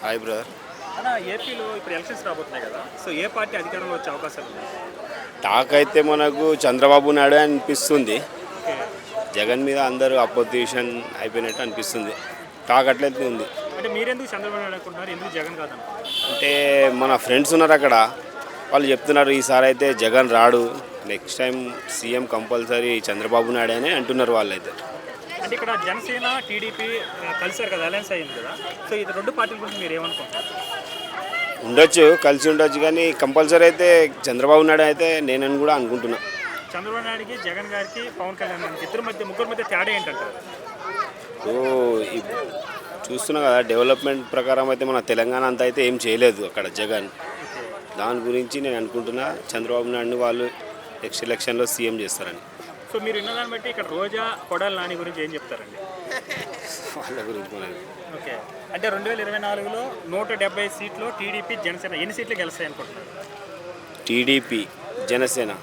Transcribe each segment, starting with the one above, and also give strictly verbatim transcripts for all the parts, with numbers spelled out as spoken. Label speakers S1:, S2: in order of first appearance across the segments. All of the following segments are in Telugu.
S1: Hi brother.
S2: అన్న ఏపీలో ఇప్పుడు ఎలక్షన్స్ రాబోతున్నాయి కదా, సో ఏ పార్టీ అధికారంలో వచ్చే అవకాశాలు ఉన్నాయి?
S1: టాక్ అయితే మనకు చంద్రబాబు నాయుడు అనిపిస్తుంది.
S2: ఓకే.
S1: జగన్ మీద అందరూ అపోజిషన్ అయిపోయినట్టు అనిపిస్తుంది. టాక్ అట్లయితే ఉంది.
S2: అంటే మీరెందుకు చంద్రబాబు నాయుడు అనుకుంటున్నారు, ఎందుకు జగన్ కాదనుకుంటున్నారు?
S1: అంటే మన ఫ్రెండ్స్ ఉన్నారు అక్కడ, వాళ్ళు చెప్తున్నారు ఈసారి అయితే జగన్ రాడు, next time CM compulsory Chandrababu Naidu అని అంటున్నారు వాళ్ళైతే.
S2: అంటే ఇక్కడ జనసేన టీడీపీ కలిసారు కదా, అలయన్స్ అయ్యింది కదా, సో ఇది రెండు పార్టీల గురించి మీరు ఏమనుకుంటున్నారు?
S1: ఉండొచ్చు, కలిసి ఉండొచ్చు, కానీ కంపల్సరీ అయితే చంద్రబాబు నాయుడు అయితే నేనని కూడా అనుకుంటున్నా.
S2: చంద్రబాబు నాయుడుకి జగన్ గారికి పవన్ కళ్యాణ్ గారికి ఇద్దరు మధ్య ముగ్గురు మధ్య తేడా ఏంటంటారు?
S1: సో చూస్తున్నా కదా, డెవలప్మెంట్ ప్రకారం అయితే మన తెలంగాణ అంతా అయితే ఏం చేయలేదు అక్కడ జగన్. దాని గురించి నేను అనుకుంటున్నా చంద్రబాబు నాయుడుని వాళ్ళు నెక్స్ట్ ఎలక్షన్లో సీఎం చేస్తారని.
S2: సో మీరు విన్నదాన్ని బట్టి ఇక్కడ రోజా కొడాలి నాని గురించి ఏం చెప్తారండి?
S1: వాళ్ళ గురించి మనకి
S2: ఓకే. అంటే రెండు వేల ఇరవై నాలుగులో నూట డెబ్బై సీట్లు టీడీపీ జనసేన ఎన్ని సీట్లు గెలుస్తాయి అనుకుంటున్నారు?
S1: టీడీపీ జనసేన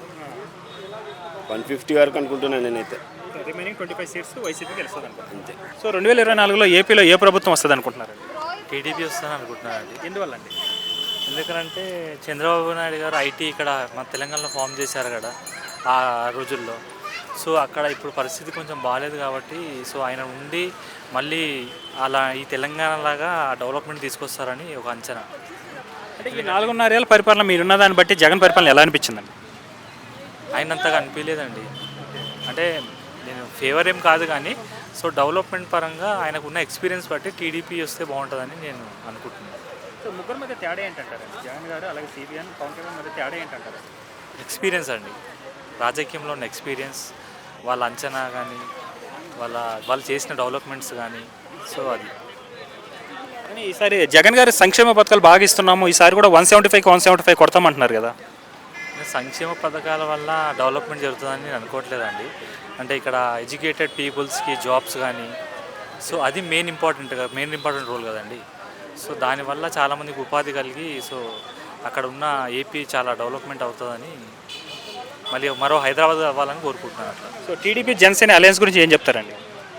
S1: వన్ ఫిఫ్టీ వరకు అనుకుంటున్నాను నేనైతే.
S2: Remaining twenty five seats YCP గెలుస్తుంది అనుకుంటున్నాను.
S1: అంతే.
S2: సో రెండు వేల ఇరవై నాలుగులో ఏపీలో ఏ ప్రభుత్వం వస్తుంది అనుకుంటున్నారు?
S3: టీడీపీ వస్తుందని అనుకుంటున్నానండి.
S2: ఎందువల్ల అండి?
S3: ఎందుకంటే చంద్రబాబు నాయుడు గారు ఐటీ ఇక్కడ మన తెలంగాణలో ఫామ్ చేశారు కదా ఆ రోజుల్లో. సో అక్కడ ఇప్పుడు పరిస్థితి కొంచెం బాగాలేదు కాబట్టి సో ఆయన ఉండి మళ్ళీ అలా ఈ తెలంగాణ లాగా డెవలప్మెంట్ తీసుకొస్తారని ఒక అంచనా.
S2: అంటే ఈ నాలుగున్నరేళ్ళ పరిపాలన మీరున్న దాన్ని బట్టి జగన్ పరిపాలన ఎలా అనిపించిందండి?
S3: ఆయనంతగా అనిపించలేదండి. అంటే నేను ఫేవర్ ఏం కాదు కానీ సో డెవలప్మెంట్ పరంగా ఆయనకున్న ఎక్స్పీరియన్స్ బట్టి టీడీపీ వస్తే బాగుంటుందని నేను అనుకుంటున్నాను.
S2: సో ముగ్గురు మధ్య తేడా ఏంటంటారు? జగన్ గారు అలాగే సిబిఎన్ పవన్ కళ్యాణ్ మధ్య తేడా ఏంటంటారు?
S3: ఎక్స్పీరియన్స్ అండి, రాజకీయంలో ఉన్న ఎక్స్పీరియన్స్, వాళ్ళ అంచనా కానీ వాళ్ళ వాళ్ళు చేసిన డెవలప్మెంట్స్ కానీ. సో అది
S2: కానీ ఈసారి జగన్ గారి సంక్షేమ పథకాలు బాగా ఇస్తున్నాము, ఈసారి కూడా వన్ సెవెంటీ ఫైవ్కి వన్ సెవెంటీ ఫైవ్ కొడతామంటున్నారు కదా.
S3: సంక్షేమ పథకాల వల్ల డెవలప్మెంట్ జరుగుతుందని నేను అనుకోవట్లేదండి. అంటే ఇక్కడ ఎడ్యుకేటెడ్ పీపుల్స్కి జాబ్స్ కానీ సో అది మెయిన్ ఇంపార్టెంట్ కదా, మెయిన్ ఇంపార్టెంట్ రోల్ కదండి. సో దానివల్ల చాలామందికి ఉపాధి కలిగి సో అక్కడ ఉన్న ఏపీ చాలా డెవలప్మెంట్ అవుతుందని, మళ్ళీ మరో హైదరాబాద్ అవ్వాలని కోరుకుంటున్నాను అట్లా.
S2: సో టీడీపీ జనసేన అలయన్స్ గురించి ఏం చెప్తారండి?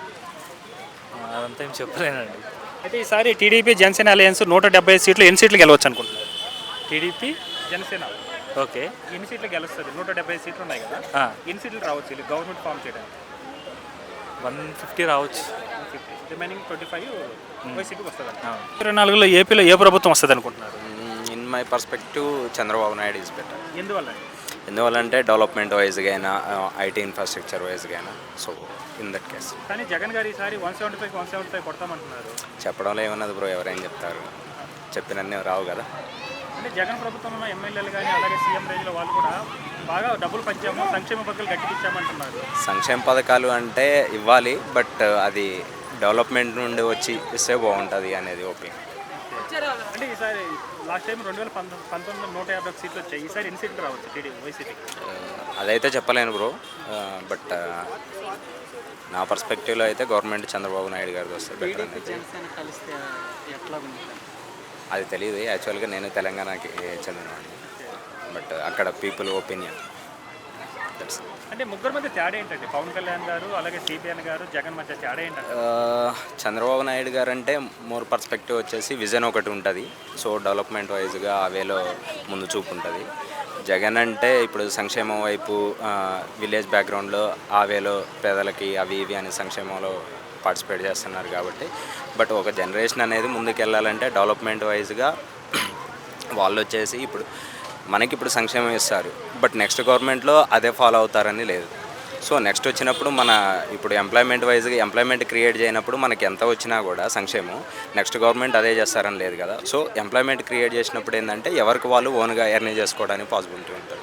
S3: అదంతా ఏం చెప్పలేనండి.
S2: అయితే ఈసారి టీడీపీ జనసేన అలయన్స్ నూట డెబ్బై సీట్లు ఎన్ని సీట్లు గెలవచ్చు అనుకుంటున్నారు?
S3: టీడీపీ
S2: జనసేన
S3: ఓకే
S2: ఎన్ని సీట్లు గెలుస్తుంది? నూట డెబ్బై సీట్లు ఉన్నాయి కదా, ఎన్ని సీట్లు రావచ్చు ఇది గవర్నమెంట్ ఫామ్ చేయడానికి?
S3: వన్ ఫిఫ్టీ రావచ్చు.
S2: ఫిఫ్టీ రిమైనింగ్ ట్వంటీ ఫైవ్ వైసీపీకి వస్తుంది. ఇరవై నాలుగులో ఏపీలో ఏ ప్రభుత్వం వస్తుంది అనుకుంటున్నారు?
S4: In my perspective Chandrababu Naidu is better.
S2: ఎందువల్ల?
S4: ఎందువల్లంటే డెవలప్మెంట్ వైజ్గా అయినా ఐటీ ఇన్ఫ్రాస్ట్రక్చర్ వైజ్గా అయినా. So in that case.
S2: కానీ జగన్ గారు ఈసారి one seventy five one seventy five కొడతామంటున్నారు.
S4: చెప్పడంలో ఏమన్నది బ్రో, ఎవరైనా చెప్తారు, చెప్పినన్నీ రావు కదా.
S2: అంటే జగన్ ప్రభుత్వం ఉన్న ఎమ్మెల్యేలు కానీ అలాగే సీఎం రేంజ్లో వాళ్ళు కూడా బాగా డబ్బులు పంచాము, సంక్షేమ పథకాలు గట్టిపించామంటున్నారు.
S4: సంక్షేమ పథకాలు అంటే ఇవ్వాలి, బట్ అది డెవలప్మెంట్ నుండి వచ్చి ఇస్తే బాగుంటుంది అనేది ఒపీనియన్.
S2: అంటే ఈసారి లాస్ట్ టైం రెండు వేల పంతొమ్మిది పంతొమ్మిదిలో నూట యాభై సీట్లు వచ్చాయి, ఈసారి ఎన్ని సీట్లు రావచ్చు టీడీపీ వైసీపీకి?
S4: అదైతే చెప్పలేను బ్రో, బట్ నా పర్స్పెక్టివ్లో అయితే గవర్నమెంట్ చంద్రబాబు నాయుడు గారిది వస్తే బెటర్ అనేది. అది తెలియదు, యాక్చువల్గా నేను తెలంగాణకి చెందినవాడిని, బట్ అక్కడ పీపుల్ ఒపీనియన్.
S2: అంటే ముగ్గురు మధ్య తేడా ఏంటండి? పవన్ కళ్యాణ్ గారు అలాగే సిబిఎన్ గారు జగన్ మధ్య తేడా ఏంటంటే?
S4: చంద్రబాబు నాయుడు గారు అంటే మోర్ పర్స్పెక్టివ్ వచ్చేసి విజన్ ఒకటి ఉంటుంది, సో డెవలప్మెంట్ వైజ్గా ఆ వేలో ముందు చూపు ఉంటుంది. జగన్ అంటే ఇప్పుడు సంక్షేమం వైపు విలేజ్ బ్యాక్గ్రౌండ్లో ఆ వేలో పేదలకి అవి ఇవి అనే సంక్షేమంలో పార్టిసిపేట్ చేస్తున్నారు కాబట్టి. బట్ ఒక జనరేషన్ అనేది ముందుకు వెళ్ళాలంటే డెవలప్మెంట్ వైజ్గా వాళ్ళు వచ్చేసి ఇప్పుడు మనకి ఇప్పుడు సంక్షేమం ఇస్తారు, బట్ నెక్స్ట్ గవర్నమెంట్లో అదే ఫాలో అవుతారని లేదు. సో నెక్స్ట్ వచ్చినప్పుడు మన ఇప్పుడు ఎంప్లాయ్మెంట్ వైజ్గా ఎంప్లాయ్మెంట్ క్రియేట్ చేయనప్పుడు మనకి ఎంత వచ్చినా కూడా సంక్షేమం నెక్స్ట్ గవర్నమెంట్ అదే చేస్తారని లేదు కదా. సో ఎంప్లాయ్మెంట్ క్రియేట్ చేసినప్పుడు ఏంటంటే ఎవరికి వాళ్ళు ఓన్గా ఎర్న్ చేసుకోవడానికి పాసిబిలిటీ ఉంటుంది.